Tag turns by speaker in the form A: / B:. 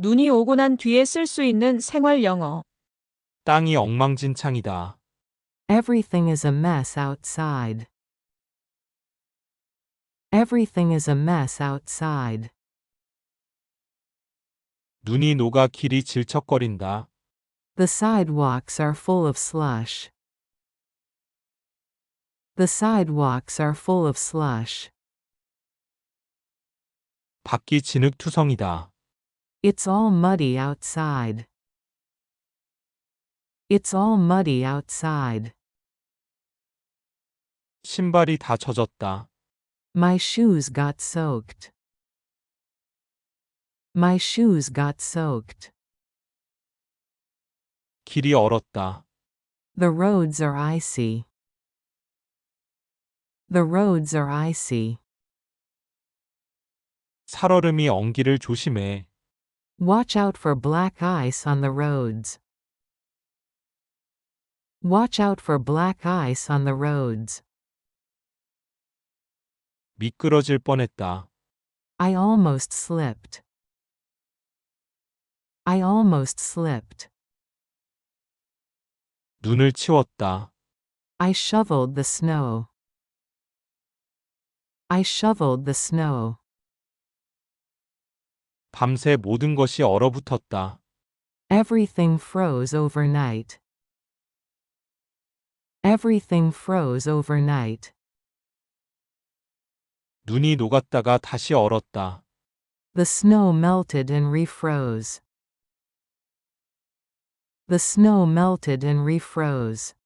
A: 눈이 오고 난 뒤에 쓸 수 있는 생활 영어.
B: 땅이 엉망진창이다.
C: Everything is a mess outside. Everything is a mess outside.
B: 눈이 녹아 길이 질척거린다.
C: The sidewalks are full of slush. The sidewalks are full of slush.
B: 밖이 진흙투성이다.
C: It's all muddy outside. It's all muddy outside.
B: 신발이 다 젖었다.
C: My shoes got soaked. My shoes got soaked.
B: 길이 얼었다.
C: The roads are icy. The roads are icy.
B: 살얼음이 엉기를 조심해.
C: Watch out for black ice on the roads. Watch out for black ice on the roads.
B: 미끄러질 뻔했다.
C: I almost slipped. I almost slipped.
B: 눈을 치웠다.
C: I shoveled the snow. I shoveled the snow.
B: 밤새 모든 것이 얼어붙었다.
C: Everything froze overnight. Everything froze overnight.
B: 눈이 녹았다가 다시 얼었다.
C: The snow melted and refroze. The snow melted and refroze.